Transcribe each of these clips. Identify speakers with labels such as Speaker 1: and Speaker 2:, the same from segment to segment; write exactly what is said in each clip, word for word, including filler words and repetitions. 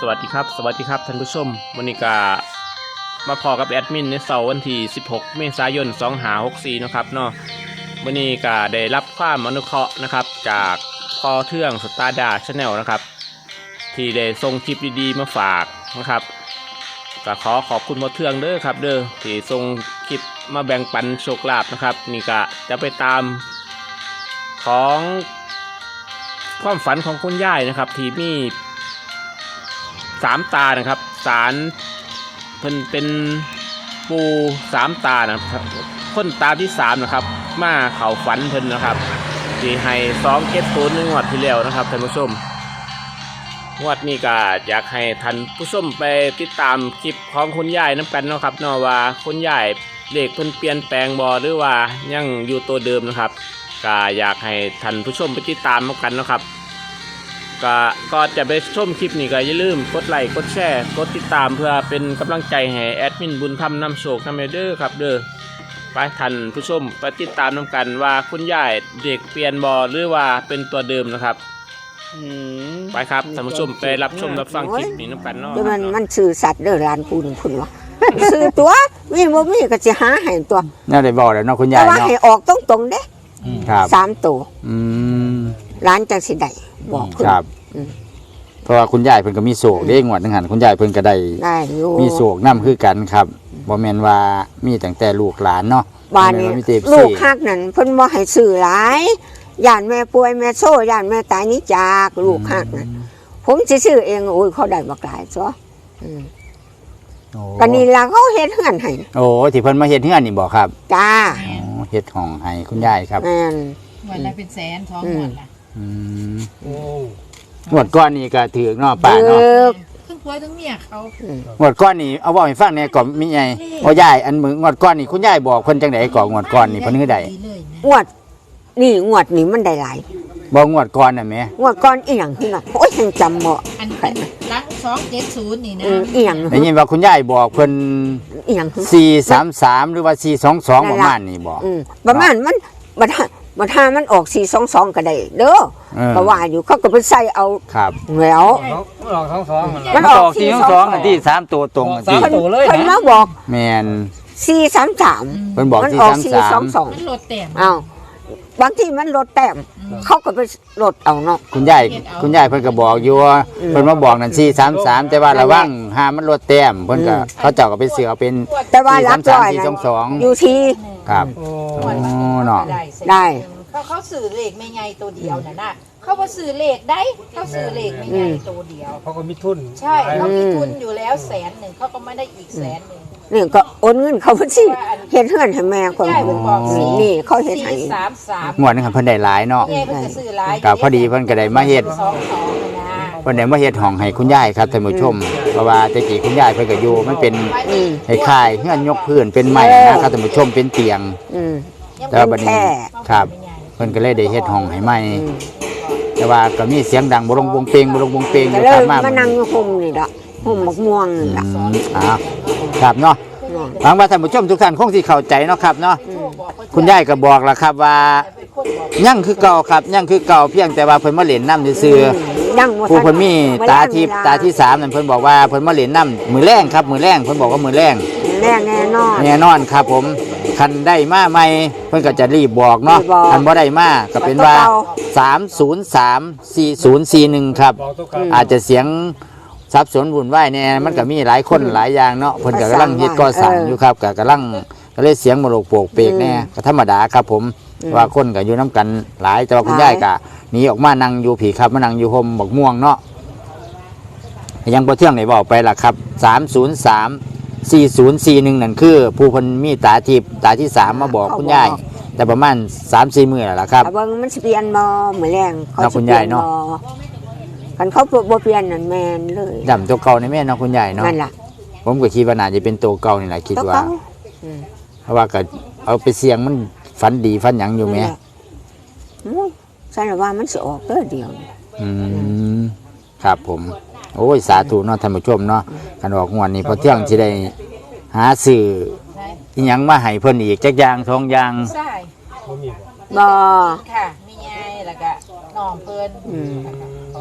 Speaker 1: สวัสดีครับสวัสดีครับท่านผู้ชมวันนี้ก็มาพอกับแอดมินในเสาร์วันที่สิบหกเมษายนสองห้าหกสี่นะครับเนาะวันนี้ก็ได้รับความอนุเคราะห์นะครับจากพอเทื่องสตาร์ดาชาแนลนะครับที่ได้ส่งคลิปดีๆมาฝากนะครับก็ขอขอบคุณพอเทื่องเด้อครับเด้อที่ส่งคลิปมาแบ่งปันโชคลาภนะครับนี่ก็จะไปตามของความฝันของคุณยายนะครับที่มีสามตานะครับสารเพิ่นเป็นปูสามตานะครับคนตาที่สามนะครับมาเข่าฝันเพิ่นนะครับที่ให้สองเก็ตศูนย์ในงวดที่แล้วนะครับท่านผู้ชมงวดนี้ก็อยากให้ท่านผู้ชมไปติดตามคลิปของคุณยายน้ำกันนะครับเนาะว่าคุณยายเลขเพิ่นเปลี่ยนแปลงบ่หรือว่ายังอยู่ตัวเดิมนะครับก็อยากให้ท่านผู้ชมไปติดตามกันนะครับก็ก็จะไปชมคลิปนี้ก็อย่าลืมกดไลค์กดแชร์กดติดตามเพื่อเป็นกำลังใจให้แอดมินบุญธรรมนำโชคนำเด้อครับเด้อไปท่านผู้ชมไปติดตามนำกันว่าคุณยายเด็กเปลี่ยนบอหรือว่าเป็นตัวเดิมนะครับไปครับท่านผู้ชมไปรับชมรับฟังคลิปนี้นำกันเนาะ
Speaker 2: มันมันสื่อสัตว์เด้อร้านปูนพุ่นวะสื่อตัวมีบ่มีก็จะหาให้ตัว
Speaker 3: น่าได้บอกแล้วเนาะคุณยา
Speaker 2: แต่ว่า
Speaker 3: ยเนาะ
Speaker 2: ให้ออกตรงๆเด้
Speaker 3: ครับ
Speaker 2: สามตัว
Speaker 3: อืม
Speaker 2: ร้านจังสิได้บอกเพิ่น
Speaker 3: ครับเพราะว่าคุณยายเพิ่นก็มีโศกเด้งวดนึงหันคุณยายเพิ่นก็ได้
Speaker 2: ได้อยู่
Speaker 3: มีโศกนำคือกันครับบ่แม่นว่ามีตั้งแต่ลูกหลานเนาะ
Speaker 2: บ้านนี้ลูกฮักนั่นเพิ่นบ่ให้ซื้อหลายย่านแม่ป่วยแม่โซ่ย่านแม่ตายนี้จากลูกฮักนั่นผมสิซื้อเองโอ้ยเขาได้บักหลายจ้ะอืมก็นี่ล่ะเขาเฮ็ดเฮือนให้
Speaker 3: โอ้ที่เพิ่นมาเฮ็ดเฮือนนี่บ่ครับ
Speaker 2: จ้า
Speaker 3: อ๋อเฮ็ดห้องให้คุณยายครับ
Speaker 2: แม่น
Speaker 4: วันละเป็นแสนท้องหมดล่ะ
Speaker 3: อืมโอ้งวดก้อนนี่ก็ถือเนาะป้าเนาะ
Speaker 4: ทั้งผัวทั้งเมียเขา
Speaker 3: งวดก้อนนี่เอาเว้าให้ฟังแหน่ก่อนมีไงโอ้ยายอันมืองวดก้อนนี่คุณยายบอกเพิ่นจังได๋ก่อนงวดก้อนนี่เพิ่นคือใด
Speaker 2: งวดนี่งวดนี่มันได้หลาย
Speaker 3: บ่งวดก่อนน่ะแม่
Speaker 2: งวดก่อนอีหยังคือน่ะโอ้ยยังจำบ่
Speaker 4: อันเป็นหลังสองเจ็ดศูนย์นี่นะ
Speaker 2: อีหยัง
Speaker 3: ได้ยินว่าคุณยายบอกเพิ่น
Speaker 2: อีหยังคือ
Speaker 3: สี่สามสามหรือว่าสี่สองสองประมาณนี้บ่
Speaker 2: อืมประมาณมันบ่ถ้าบ่ถ้ามันออกสี่สองสองก็ได้เด้อก็ว่าอยู่เขาก็ไปใส่เอา
Speaker 3: ครับ
Speaker 2: แล้ว
Speaker 5: มันออกสองสอง
Speaker 3: มันออกสี่สองสองอันที่สามตัวตรงอันที่
Speaker 5: สามตัวเลยนะ
Speaker 2: เพิ่นมาบอก
Speaker 3: แม่น
Speaker 2: สี่สามสาม
Speaker 3: เพิ่นบอก
Speaker 2: มัน
Speaker 3: สี่
Speaker 2: ออก
Speaker 3: สาม
Speaker 2: สี่
Speaker 3: สา
Speaker 2: สอ
Speaker 3: ม
Speaker 2: งสอง
Speaker 4: มันลดแต้ม
Speaker 2: อ้าวบางทีมันลดแต้มเขาก็ไปลดเอาเนาะ
Speaker 3: คุณยายคุณยายเพิ่นก็บอกอยู่ว่าเพิ่นมาบอกนั่นสี่สามสามแต่ว่าระวังห้ามมันลดแต้มเพิ่นก็เขาเจ้าก็ไปเสือเอาเป็น
Speaker 2: แต่ว่าหลักร้อย
Speaker 3: สี่สองสอง
Speaker 2: อยู่ที่
Speaker 3: ครับโอ้เนาะ
Speaker 2: ได้
Speaker 4: เขาเขาสื่อเลขไม่ไงตัวเดียวน่ะนะเขาบ่สื่อเลขได้เขาสื่อเลขไม่ไงตัวเดียว
Speaker 5: เขาก็มีทุน
Speaker 4: ใช่เขามีทุนอยู่แล้วแสนหนึ่งเขาก็ไม่ได้อีกแสนหนึ่ง
Speaker 2: นี่ก็โอนเงินเขาเพิ่นสิเฮ็ดเฮือนให้แม่คนนี่เขาเฮ็ดให้
Speaker 4: สามสาม
Speaker 3: งวดนึงเพิ่นได้หลายเนาะ
Speaker 4: เพิ่นก็ซื้อหลาย
Speaker 3: ก็พอดีเพิ่นก็ได้มาเฮ็ดเพิ่นได้มาเฮ็ดห้องให้คุณยายครับท่านผู้ชมเพราะว่าแต่กี้คุณยายเพิ่นก็อยู่มันเป็นคล้ายๆเฮือนยกพื้นเป็นไม้นะครับท่านผู้ชมเป็นเตียง
Speaker 2: อืม
Speaker 3: แต่ว่าบัดนี้ครับเพิ่นก็เลยได้เฮ็ดห้องให้ใหม่แต่ว่าก็มีเสียงดังบ่ลงวงเพลงบ่ลงวงเพลงอยู่ครับมา
Speaker 2: มานั่งอยู่ห่มนี่ดอกห่มบักม่วงนี่ล่ะ
Speaker 3: อ่าครับเนาะหวังว่าท่านผู้ชมทุกท่านคงสิเข้าใจเนาะครับเนาะคุณยายก็บอกแล้วครับว่ายังคือเก่าครับยังคือเก่าเพียงแต่ว่าเพิ่นมาเล่นน้ำซื่อๆผู้เพิ่นมีตาทิพย์ตาที่สามนั่นเพิ่นบอกว่าเพิ่นมาเล่นน้ำมือแรงครับมือแรงเพิ่นบอกว่ามือแรง
Speaker 2: แรงแน่นอน
Speaker 3: แน่นอนครับผมคันได้มาใหม่เพิ่นก็จะรีบบอกเนาะคันบ่ได้มาก็เป็นว่าสามศูนย์สาม สี่ศูนย์สี่หนึ่งครับอาจจะเสียงสับสนวุ่นวายแน่มันก็มีหลายคนหลายอย่างเนาะเพิ่นก็กำลังเฮ็ดก่อสร้างอยู่ครับก็กำลังก็เลยเสียงมโลกโปกเปกแน่ก็ธรรมดาครับผมว่าคนก็อยู่น้ำกันหลายแต่ว่าคุณยายก็หนีออกมานั่งอยู่ผีครับมานั่งอยู่ห่มบักม่วงเนาะยังบ่เที่ยงไหนบอกไปล่ะครับสามศูนย์สาม สี่ศูนย์สี่หนึ่งนั่นคือผู้เพิ่นมีตาทิพย์ตาที่สามมาบอกคุณยายแต่ประมาณ สามสี่ มื้อแล้วล่ะครับ
Speaker 2: เบิ่งมันสิเปลี่ยนบ่มื้อแรง
Speaker 3: เขาสิเปลี่ยนบ่
Speaker 2: คันเขาบ่เปลี่ยนนั่นแม่นเลย
Speaker 3: ดำตัวเก่าในแม่เนาะคุณยายเนาะ
Speaker 2: นั่นล่ะ
Speaker 3: ผมก็คิดว่าน่าจะเป็นตัวเก่านี่แหละคิดว่าเพราะว่าก็เอาไปเสี่ยงมันฝันดีฝันหยังอยู่แม่
Speaker 2: ใช่ว่ามันสิออกเด้อเดียว
Speaker 3: อืมครับผมโอ้ยสาธุเนาะท่านผู้ชมเนาะคันออกงวดนี้พอเที่ยงสิได้หาซื้ออีหยังมาให้เพิ่นอีกจักอย่างสองอย่าง
Speaker 4: ใช่
Speaker 2: บ่
Speaker 4: ค่ะมีไงแล้วก็น้องเพิ่น
Speaker 3: อ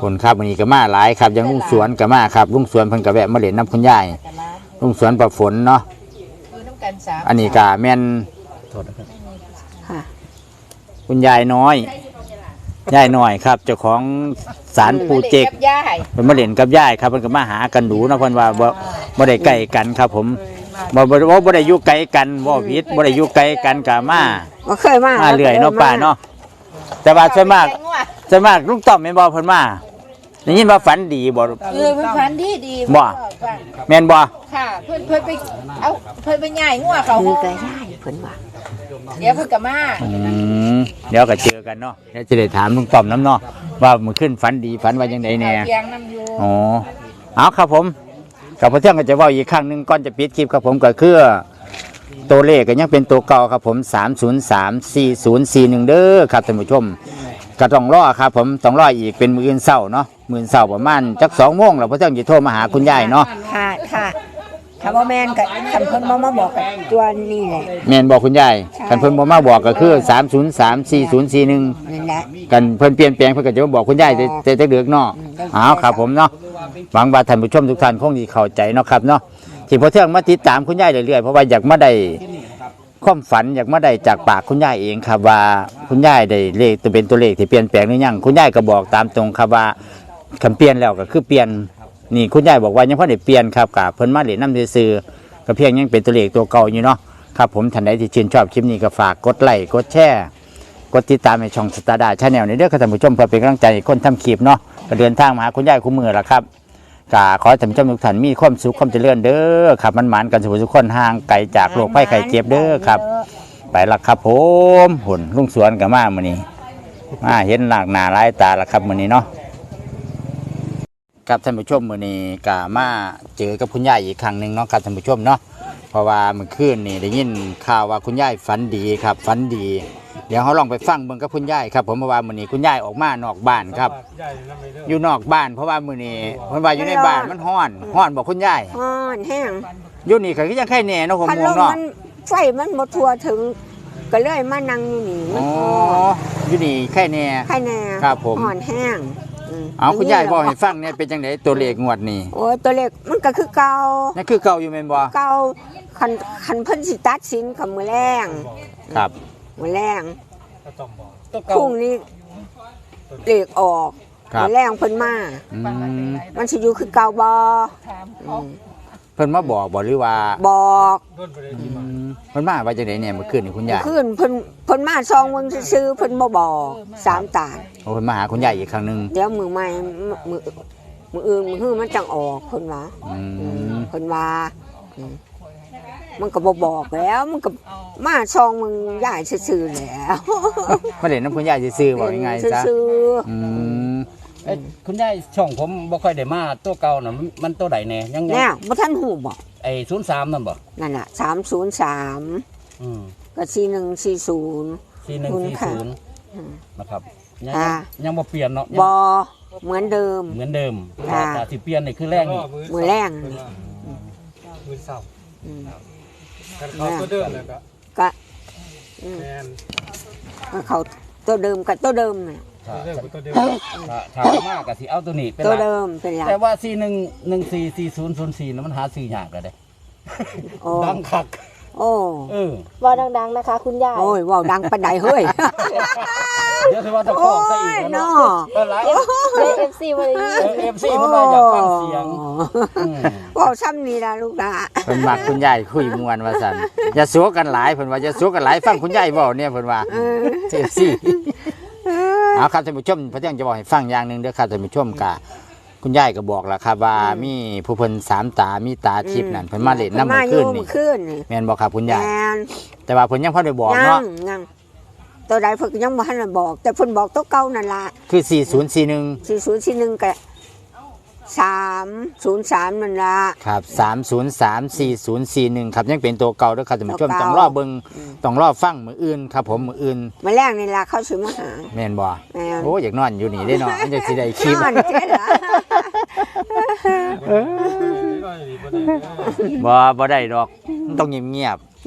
Speaker 3: คนครับวันนี้ก็มาหลายครับอยังลุงสวนก็มาครับลุงสวนเพิ่นก็แวะมาเล่นน้ำคุณยายลุงสวนประฝนเนาะ
Speaker 4: คือน้ำกันสาม
Speaker 3: อันนี้ก็แม่น
Speaker 2: ค่ะ
Speaker 3: คุณยายน้อยยายน้อยครับเจ้าของศาลปูเจก
Speaker 4: กับย่าย
Speaker 3: เพิ่นมาเล่นกับยายครับเพิ่นก็มาหากันดูเนาะเพิ่นว่าบ่บ่ได้ใกล้กันครับผมบ่บ่บ่บ่ได้อยู่ไกลกันบ่ผิดบ่ได้อยู่ไกลกันก็มา
Speaker 2: บ่เคยมา
Speaker 3: มาเรื่อยเนาะป้าเนาะแต่ว่าส่วนมากส่วนมากลุงต้อมแม่นบ่เพิ่นมาได้ยินว่าฝันดีบ่
Speaker 4: เออมันพันดีดี
Speaker 3: บ่ แม่นบ่
Speaker 4: ค่ะเพิ่นเพิ่นไปเอาเพิ่นไปย่ายงัวเขา
Speaker 2: คือก็ได้เพิ่นว่า
Speaker 4: เดี๋ยวเพิ่นก็มา
Speaker 3: อืมเดี๋ยวก็เจอกันเนาะเดี๋ยวจะได้ถามลุงต้อมน้ำเนาะว่ามื้อขึ้นฝันดีฝันว่าจังไดแน่
Speaker 4: เลี้ยงน้ำอยู่
Speaker 3: อ๋อเอาครับผมกับพระเที่ยงก็จะเว่าอีกครั้งหนึ่งก่อนจะปิดคลิปครับผมก็คือตัวเลขก็ยังเป็นตัวเก่าครับผมสามศูนย์สามสี่ศูนย์สี่หนึ่งเด้อครับท่านผู้ชมก็ต้องรอครับผมต้องรออีกเป็นมื้ออื่นเช้าเนาะมื้ออื่นเช้าประมาณจักสองโมงแล้วพระเที่ยงจะโทรมาหาคุณยายเนาะ
Speaker 2: ค่ะค่ะถ้าบ่แม่นก็คันเพิ่นบ่มาบอกกับตัวนี้แหละ
Speaker 3: แม่นบอกคุณยายคันเพิ่นบ่มาบอกก็คือสามศูนย์สามสี่ศูนย์สี่หนึ่ง
Speaker 2: นั่นแหละ
Speaker 3: กันเพิ่นเปลี่ยนแปลงเพิ่นก็จะมาบอกคุณยายแต่แต่แต่เดือกเนาะเอาครับผมเนาะหวังว่าท่านผู้ชมทุกท่านคงสิเข้าใจเนาะครับเนาะที่พอเที่ยงมาติดตามคุณยายเรื่อยๆเพราะว่าอยากมาได้ความฝันอยากมาได้จากปากคุณยายเองครับว่าคุณยายได้เลขตัวเป็นตัวเลขที่เปลี่ยนแปลงหรือยังคุณยายก็บอกตามตรงครับว่าคำเปลี่ยนแล้วก็คือเปลี่ยนนี่คุณยายบอกว่ายังพอได้เปลี่ยนครับกับเพิ่นมาเล่นน้ำซื่อๆก็เพียงยังเป็นตัวเลขตัวเก่าอยู่เนาะครับผมท่านใดที่ชื่นชอบคลิปนี้ก็ฝากกดไลค์กดแชร์กดติดตามในช่องสตาร์ดาชาแนลในเด้อครับท่านผู้ชมเพื่อเป็นกำลังใจให้คนทำคลิปเนาะก็เดินทางมาหาคุณยายคู่มือละครับก็ขอให้ท่านผู้ชมทุกท่านมีความสุขความเจริญเด้อครับมันหมานกันสุขทุกคนห่างไกลจากโรคภัยไข้เจ็บเด้อครับไปละครับผมหุ่นลุงสวนกับมามื้อนี้มาเห็นหลากหน้าหลายตาละครับมื้อนี้เนาะครับท่านผู้ชมมื้อนี้ก็มาเจอกับคุณยายอีกครั้งหนึงเนาะครับท่านผู้ชมเนาะเพราะว่าเมื่อคืนนี่ได้ยินข่าวว่าคุณยายฝันดีครับฝันดี เดี๋ยวเขาลองไปฟังเบิ่งกับคุณยายครับผมเพราะว่ามื้อนี้คุณยายออกมานอกบ้านครับ อยู่นอกบ้านเพราะว่ามื้อนี้เพิ่นว่าอยู่ในบ้านมันร้อนร้อนบอกคุณยาย
Speaker 2: ฮ้อนแห้ง
Speaker 3: อยู่นี่ก็คือยังไข่แหน่เนาะผม
Speaker 2: พัด
Speaker 3: ม
Speaker 2: ล
Speaker 3: อง
Speaker 2: ม
Speaker 3: เนาะ
Speaker 2: มันไฟมันบ่ทั่วถึงก็เลยมานั่งอยู่นี่มั
Speaker 3: อ๋
Speaker 2: น
Speaker 3: อ
Speaker 2: ฮ้อน
Speaker 3: อยู่นี่ไข่แหน่
Speaker 2: ใครแน่
Speaker 3: ครับผม
Speaker 2: ฮ้อนแห้งม
Speaker 3: เอาคุณยายบอกให้ฟังเนี่ยเป็นจังไดตัวเลขงวดนี้
Speaker 2: โอ้ยตัวเล็กมันก็คือเก่า
Speaker 3: นั่นคือเก่าอยู่แม่นบ่
Speaker 2: เก่าคันคันเพิ่นสิตัดสินกับมื้อแรง
Speaker 3: ครับ
Speaker 2: มื้อแรง
Speaker 5: ตัว
Speaker 2: พ
Speaker 5: เก่า
Speaker 2: รุ่งนี้เลขออก
Speaker 3: ครับ
Speaker 2: มื้อแรงเพิ่นมา
Speaker 3: อืม
Speaker 2: มันสิอยู่คือเก่าบ่
Speaker 4: ถาม
Speaker 2: อื
Speaker 4: เขา
Speaker 2: ม
Speaker 3: เพิ่นมาบอกบ่หรือว่า
Speaker 2: บอก
Speaker 3: อืมเพิ่นมาว่าจังไดเนี่ยเมื่อคืนนี่คุณยาย
Speaker 2: คืนเพิ่นเพิ่นมาซองเบิ่งซื่อๆเพิ่นบ่บอกสามตา
Speaker 3: โอ้เพิ่นมาหาคุณยายอีกครั้งหนึง
Speaker 2: เดี๋ยวมือใหม่มือมืออื่นมือฮื้อมันจังออกเพิ่นว่า
Speaker 3: อื
Speaker 2: อืม
Speaker 3: ม
Speaker 2: เพิ่นว่าอืมมันก็บ่บอกแล้วมันก็มาซองมึงยายซื่อๆแล้ว
Speaker 3: มาเล่นน้ำคุณยายซื่อๆบอกยังไงซะ
Speaker 2: ซื่อ
Speaker 3: อืม
Speaker 5: เอ้ยคุณยายช่องผมบ่ค่อยได้มาตัวเก่าน่ะมันมันตัวใดแน่ยัง
Speaker 2: ๆ
Speaker 5: ยัง
Speaker 2: แน่บ่ทันหูบอก
Speaker 5: ไอ้ศูนย์สามนั่นบ่
Speaker 2: นั่นน่ะสามศูนย์สาม
Speaker 5: อืม
Speaker 2: กับสี่หนึ่งสี่ศูนย์
Speaker 5: สี่หนึ่งสี่ศูนย์
Speaker 2: อืม
Speaker 5: นะครับยัง
Speaker 2: อ่า
Speaker 5: ยังบ่เปลี่ยนเนาะ
Speaker 2: บอเหมือนเดิม
Speaker 5: เหมือนเดิม
Speaker 2: อ่า
Speaker 5: แต่ที่เปลี่ยนนี่คือแรกนี่
Speaker 2: มือแรง
Speaker 6: มือเสา
Speaker 2: อืม
Speaker 6: กันเขาตัวเดิมเลยก็
Speaker 2: ก็อืม
Speaker 6: แมน
Speaker 2: ก็เขาตัวเดิมกับตัวเดิมน่ะ
Speaker 5: ถ้า
Speaker 6: เดิมกับตัวเดิม
Speaker 5: ถ้าถ้าเอามากก็สิเอาตัวนี้เป็น
Speaker 2: ตัว
Speaker 5: หลัก
Speaker 2: เดิมเป็นหลัก
Speaker 5: แต่ว่าสี่หนึ่งหนึ่งสี่สี่ศูนย์ศูนย์สี่นั้นมันหาซื้อยากแล้วเด้
Speaker 2: โอ้
Speaker 5: ดังคัก
Speaker 2: โอ้
Speaker 5: เออ
Speaker 4: ว่าดังๆนะคะคุณยาย
Speaker 2: โอ้ยว่าวดังปานใดเฮ้ย
Speaker 5: เดี๋ยวสิว่าจะข
Speaker 2: โอ้
Speaker 5: อซะอี
Speaker 2: ย
Speaker 5: กแล้ว
Speaker 2: เนาะ
Speaker 5: เนาะเออหลาย
Speaker 4: ในเอฟซีวันนี้
Speaker 5: เออ เอฟซีมันว่าอยากฟังเสียงอืม
Speaker 2: ว่าวซ้ำนี่ละลูกหลา
Speaker 3: เพิ่นมักคุณยายคุยม่วนว่าซั่นอย่าสัวกันหลายเพิ่นว่าอย่าสัวกันหลายฟังคุณยายเว้าเนี่ยเพิ่นว่า
Speaker 2: เออ
Speaker 3: เจ็บสิเอาครับท่านผู้ชมพระเจ้าจะบอกให้ฟังอย่างหนึ่งเด้อครับท่านผู้ชมกะคุณยายก็บอกแล้วครับว่ามีผู้เพิ่นสามตามีตาทิพย์นั่นเพิ่นมาเล่นน้ำ
Speaker 2: มา
Speaker 3: เมื่อ
Speaker 2: อ
Speaker 3: คื
Speaker 2: ยู่
Speaker 3: นนี่
Speaker 2: เมื่อคืนนี่
Speaker 3: แม่นบอกครับคุณ
Speaker 2: แม
Speaker 3: ยาย
Speaker 2: น
Speaker 3: แต่ว่าเพิ่นยังพอได้บอก
Speaker 2: ยั
Speaker 3: เนาะ
Speaker 2: งยังตัวใดเพิ่นก็ยังบ่ทันได้บอก แต่เพิ่นบอกตัวเก่านั่นล่ะ
Speaker 3: คือสี่ศูนย์สี่หนึ่ง
Speaker 2: สี่ศูนย์สี่หนึ่งกับสามศูนย์สามนั่นล่ะ
Speaker 3: ครับสามศูนย์สามสี่ศูนย์สี่หนึ่งครับยังเป็นตัวเก่าเด้อครับท่านผู้ชม
Speaker 2: ตัวเก่า
Speaker 3: ต้องรอเบิ่งต้องรอฟังมื้ออื่นครับผมมื้ออื่น
Speaker 2: มาแรกนี่ล่ะเขาสิมาหา
Speaker 3: แม่นบ่
Speaker 2: แม่น
Speaker 3: โอ้อยากนอนอยู่นี่ได้เนาะมันจะสิได้คลิป
Speaker 2: นอนเจ๊ล่ะ
Speaker 3: บ่บ่ได้ดอกมันต้องเงียบ
Speaker 2: เ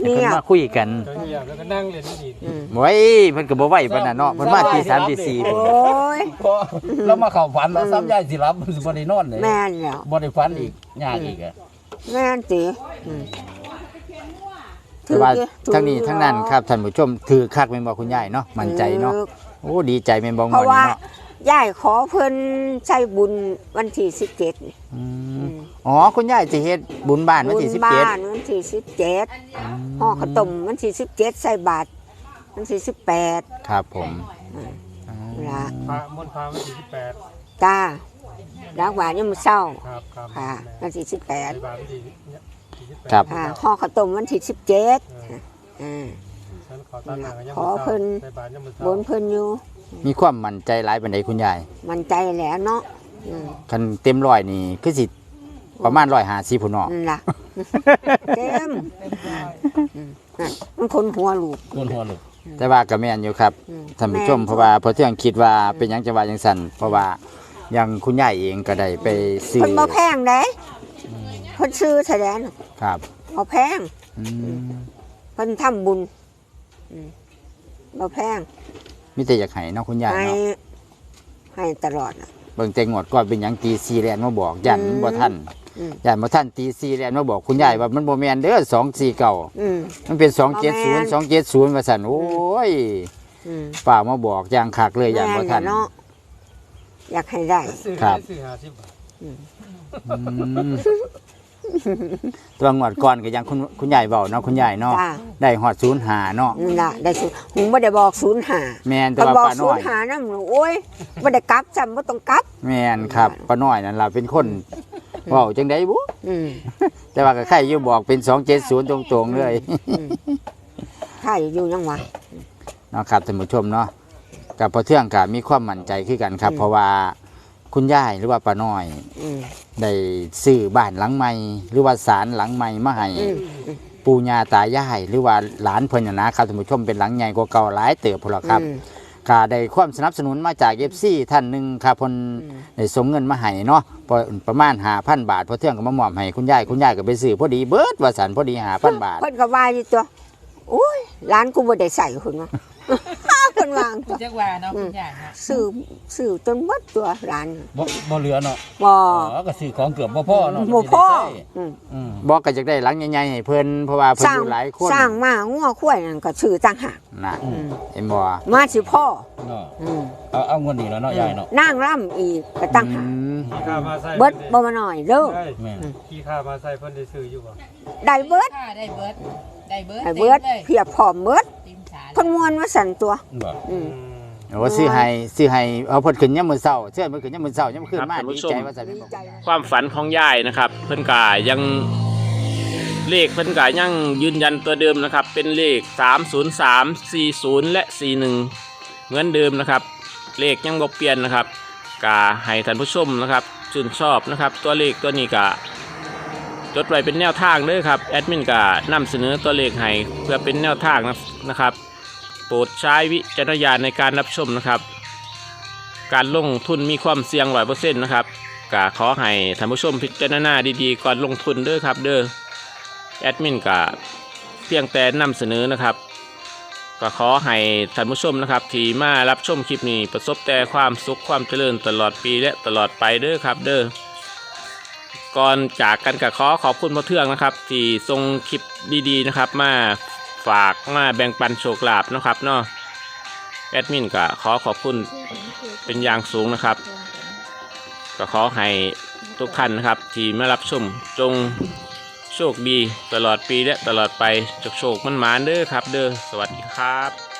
Speaker 3: ให้เพิ่นมาคุยกัน
Speaker 6: เจ้าอยากแล้วก็นั่งเล่นนี่
Speaker 2: อืม
Speaker 3: ไว้เพิ่นก็บ่ไหวปานนั้นเนาะเพิ่นมาตีสามตีสี่
Speaker 2: โอ้
Speaker 3: พุ่น
Speaker 2: ย
Speaker 5: พอเรามาเข้าฝันเราซ้ำยายสิรับมันสิบ่ได้นอนเลย
Speaker 2: แม่นแล้ว
Speaker 5: บ่ได้ฝันอีกยากอีกอะ
Speaker 2: แม่นติอืม
Speaker 3: แต่ว่า
Speaker 2: ถือ
Speaker 3: ทั้งนี้ทั้งนั้นครับท่านผู้ชมถือคักแม่นบ่คุณยายเนาะมั่นใจเนาะ
Speaker 2: ถือ
Speaker 3: โอ้ดีใจแม่นบ่ง
Speaker 2: เพ
Speaker 3: วด
Speaker 2: ราะว่า
Speaker 3: นี้เนาะ
Speaker 2: ยายขอเพิ่นใช้บุญวันที่สิบเจ็ด
Speaker 3: อืมอ๋อคุณยายสิเฮ็ดบุญบ้านวันที่สิบเจ็ด
Speaker 2: บุญบ้านวันที่สิบเจ็ดห่อข้าวต้มวันที่สิบเจ็ดใส่บาตรวันที่สิบแปด
Speaker 3: ครับผม
Speaker 2: ละ
Speaker 6: พระมนต์พระวันที่สิบแปด
Speaker 2: จ้ารักหวานยังมือเศร้า
Speaker 6: ครับครับ
Speaker 2: ค่ะวันที่สิบแปด
Speaker 6: ในบาทวันที่สิบแปด
Speaker 3: ครับ
Speaker 2: ค่ะห่อข้าวต้มวันที่สิบเจ็ดอ่า
Speaker 6: ฉันขอตั้งหน้ากันยัง
Speaker 2: ขอเพิ่น
Speaker 6: ในบาทยังมือเศ
Speaker 2: บ
Speaker 6: ร้าน
Speaker 2: เพิ่นอยู่
Speaker 3: มีความมั่นใจหลายปานใดคุณยาย
Speaker 2: มันใจแหล้วเนาะอืม
Speaker 3: คันเต็มร้อยนี่คือสิประมาณร้อยห้าสิบพุ่นเนาะ
Speaker 2: นั่นล่ะเต็มอืมนั่นมันคนหัวลูก
Speaker 5: คนหัวลุก
Speaker 3: แต่ว่าก็แม่นอยู่ครับ
Speaker 2: อืม
Speaker 3: ท่านผู้ชม
Speaker 2: แม่น
Speaker 3: เพราะว่าเพอเที่ยงคิดว่าเป็นหยังจังว่าจังซั่นเพราะว่าอย่างคุณยายเองก็ได้ไปซื้อ
Speaker 2: เพิ่นบ่แพงเด้เพิ่นซื้อแสดง
Speaker 3: ครับ
Speaker 2: บ่แพง
Speaker 3: อืม
Speaker 2: เพิ่นทำบุญอืมบ่แพง
Speaker 3: มีแต่อยากให้เนาะคุณยาย
Speaker 2: ให้
Speaker 3: เนาะ
Speaker 2: ให้ตลอดน่ะ
Speaker 3: เบิ่งแต่งวดก่อนเป็นหยังตีสี่แลนมาบอกยัน
Speaker 2: อืม
Speaker 3: บ่ทัน
Speaker 2: อืม
Speaker 3: ยันบ่ทันตีสี่แลนมาบอกคุณยายว่ามันบ่แม่นเด้อสองสี่เก้า
Speaker 2: อืม
Speaker 3: มันเป็นสองเจ็ดศูนย์
Speaker 2: บ่
Speaker 3: สองเจ็ดศูนย์ว่าซั่นโอ้ย
Speaker 2: อืม
Speaker 3: ป้ามาบอกอย่างคักเลยยันบ่ทัน
Speaker 2: แม่เนาะอยากให้ได้
Speaker 6: ซื้อ
Speaker 3: ครับ
Speaker 6: ได้ซื้อห้าสิบบาท
Speaker 3: อืมตัวงวดก่อนก็ยังคุณคุณยายเว้าเนาะคุณยายเนาะ
Speaker 2: จ้า
Speaker 3: ได้ฮอดศูนย์ห้าเนาะ
Speaker 2: นั่นล่ะได้ศูนย์หุงบ่ได้บอกศูนย์หา
Speaker 3: แม่นแต่
Speaker 2: เพิ่น
Speaker 3: ว่า
Speaker 2: บอก
Speaker 3: ป้า
Speaker 2: ศู
Speaker 3: น้อน ย
Speaker 2: ย์หานํโอ้ยบ่ได้กลับจำบ่ต้องกลับ
Speaker 3: แม่นครับป้าน้อยนั่นล่ะเป็นคนเว้าจังได๋บุ
Speaker 2: อืม
Speaker 3: แต่ว่าก็ใครอยู่บอกเป็นสองเจ็ดศูนย์ตรงๆเลย
Speaker 2: อืมถ้าอยู่ยังวะ
Speaker 3: เนาะครับท่านผู้ชมเนาะกับพอเทื่องกับมีความมั่นใจขึ้นกันครับ
Speaker 2: อืม
Speaker 3: เพราะว่าคุณยายหรือว่าป้าน้อย
Speaker 2: อืม
Speaker 3: ได้ซื้อบ้านหลังใหม่หรือว่าศาลหลังใหม่มาให้
Speaker 2: อืม
Speaker 3: ปู่ย่าตายายหรือว่าหลานเพิ่นน่ะนะครับท่านผู้ชมเป็นหลังใหญ่กว่าเก่าหลายเติบพุ่นล่ะครับ
Speaker 2: อืม
Speaker 3: ก็ได้ความสนับสนุนมาจาก เอฟ ซี ท่านหนึงครับเพิ่น
Speaker 2: อืม
Speaker 3: ได้ส่งเงินมาให้เนาะพอประมาณ ห้าพัน บาทพอเทื่องก็มามอบให้คุณยายคุณยายก็ไปซื้อพอดีเบิดว่าสันพอดี ห้าพัน บาท
Speaker 2: เพิ่นก็ว่าอยู่ตัวโอ้ยร้านกูบ่ได้ใส่คุณว่า เพิ่นวางตัว
Speaker 4: จักว่าเนาะคุณยายเนาะ
Speaker 2: ซื้อซื้อจนหมดตัวร้าน
Speaker 5: บ่บ่เหลือเนาะ
Speaker 2: บ่
Speaker 5: อ๋อก็ซื้อของเกือบบ่พอเนาะ
Speaker 2: บ่พอ
Speaker 5: มันสิได้ใช้
Speaker 2: อืม
Speaker 5: อืม
Speaker 3: บอกก็อยากได้หลังใหญ่ๆให้เพิ่นเพราะว่าเพิ่น
Speaker 2: สร้าง
Speaker 3: อยู่หลายคน
Speaker 2: สร้างมางัวควายนั่นก็ซื้อต่างหาก
Speaker 3: นะ
Speaker 5: อืม
Speaker 3: เห็นบ่
Speaker 2: มาสิพ่อ
Speaker 5: เนาะ
Speaker 2: อืม
Speaker 5: เอาเอาเงินนี่แล้วเนาะยายเนาะ
Speaker 2: นางร่ำอีกก็ต่างหาก
Speaker 3: อืม
Speaker 6: ขี้ข้ามาใส่
Speaker 2: เบิดบ่มาหน่อยเด้อ
Speaker 6: ได้
Speaker 5: แม่น
Speaker 6: ขี้ข้ามาใส่เพิ่นได้ซื้ออยู่บ่
Speaker 2: ได้เบิด
Speaker 4: ค่ะได้เบิดได้เบิด
Speaker 2: ได้เบิด
Speaker 4: ต็มเลย
Speaker 2: เพียบพร้อมเบิด
Speaker 4: เต็มสา
Speaker 2: เพิ่นม่วนมาสั่นตัว
Speaker 5: บ่
Speaker 2: อืม
Speaker 3: โอ้ซื้อให้ซื้อให้เอาเพิ่นขึ้นยามมื้อเช้าเชื่อเพิ่นขึ้นยามมื้อเช้ายามมื้อคืนมา
Speaker 1: ครับท่านผู้
Speaker 3: ดี
Speaker 1: ชม
Speaker 3: ใจว่าซั่น
Speaker 2: ดีใจนะ
Speaker 1: ความฝันของยายนะครับ เพิ่นกายังเลขเพิ่นกายังยืนยันตัวเดิมนะครับ เป็นเลขสามศูนย์สาม สี่ศูนย์และสี่หนึ่งเหมือนเดิมนะครับ เลขยังบ่เปลี่ยนนะครับกาให้ท่านผู้ชมนะครับชื่นชอบนะครับ ตัวเลขตัวนี้กาจดไว้เป็นแนวทางเด้อครับแอดมินกานำเสนอตัวเลขให้เพื่อเป็นแนวทางนะครับ โปรดใช้วิจารณญาณในการรับชมนะครับ การลงทุนมีความเสี่ยงร้อยเปอร์เซ็นต์นะครับก็ขอให้ท่านผู้ชมพิจารณาดีๆก่อนลงทุนเด้อครับเด้อแอดมินก็เพียงแต่นำเสนอนะครับก็ขอให้ท่านผู้ชมนะครับที่มารับชมคลิปนี้ประสบแต่ความสุขความเจริญตลอดปีและตลอดไปเด้อครับเด้อก่อนจากกันก็ขอขอบคุณพ่อเทืองนะครับ ที่ส่งคลิปดีๆนะครับมาฝากมาแบ่งปันโชคลาภนะครับเนาะแอดมินก็ขอขอบคุณเป็นอย่างสูงนะครับ ก็ขอให้ทุกท่านนะครับที่มารับชมจงโชคดีตลอดปีและตลอดไปจกโชคมันหมานเด้อครับเด้อสวัสดีครับ